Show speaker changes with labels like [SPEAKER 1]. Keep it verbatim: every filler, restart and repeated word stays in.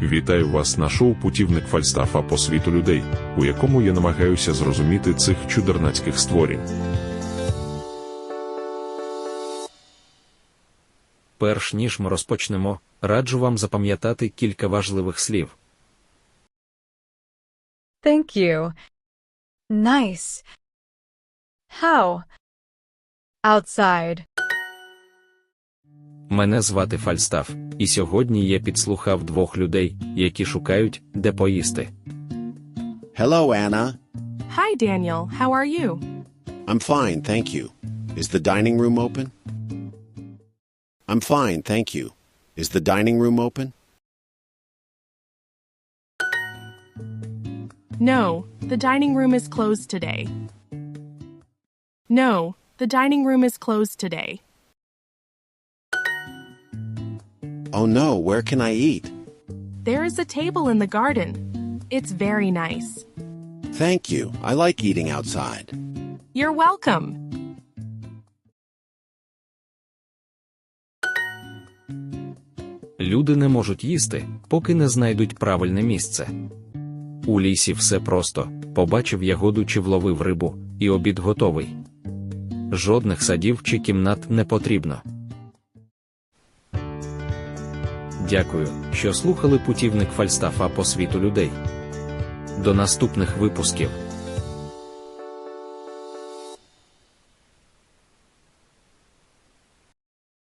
[SPEAKER 1] Вітаю вас на шоу «Путівник Фальстафа по світу людей», у якому я намагаюся зрозуміти цих чудернацьких створінь.
[SPEAKER 2] Перш ніж ми розпочнемо, раджу вам запам'ятати кілька важливих слів.
[SPEAKER 3] Thank you. Nice. How? Outside.
[SPEAKER 2] Мене звати Фальстаф, і сьогодні я підслухав двох людей, які шукають, де поїсти.
[SPEAKER 4] Hello, Anna.
[SPEAKER 5] Hi, Daniel. How are you?
[SPEAKER 4] I'm fine, thank you. Is the dining room open? I'm fine, thank you. Is the dining room open?
[SPEAKER 5] No, the dining room is closed today. No, the dining room is closed today.
[SPEAKER 4] Oh no, where can I eat?
[SPEAKER 5] There is a table in the garden. It's very nice.
[SPEAKER 4] Thank you. I like eating outside.
[SPEAKER 5] You're welcome.
[SPEAKER 2] Люди не можуть їсти, поки не знайдуть правильне місце. У лісі все просто: побачив ягоду чи вловив рибу, і обід готовий. Жодних садів чи кімнат не потрібно. Дякую, що слухали «Путівник Фальстафа по світу людей». До наступних випусків.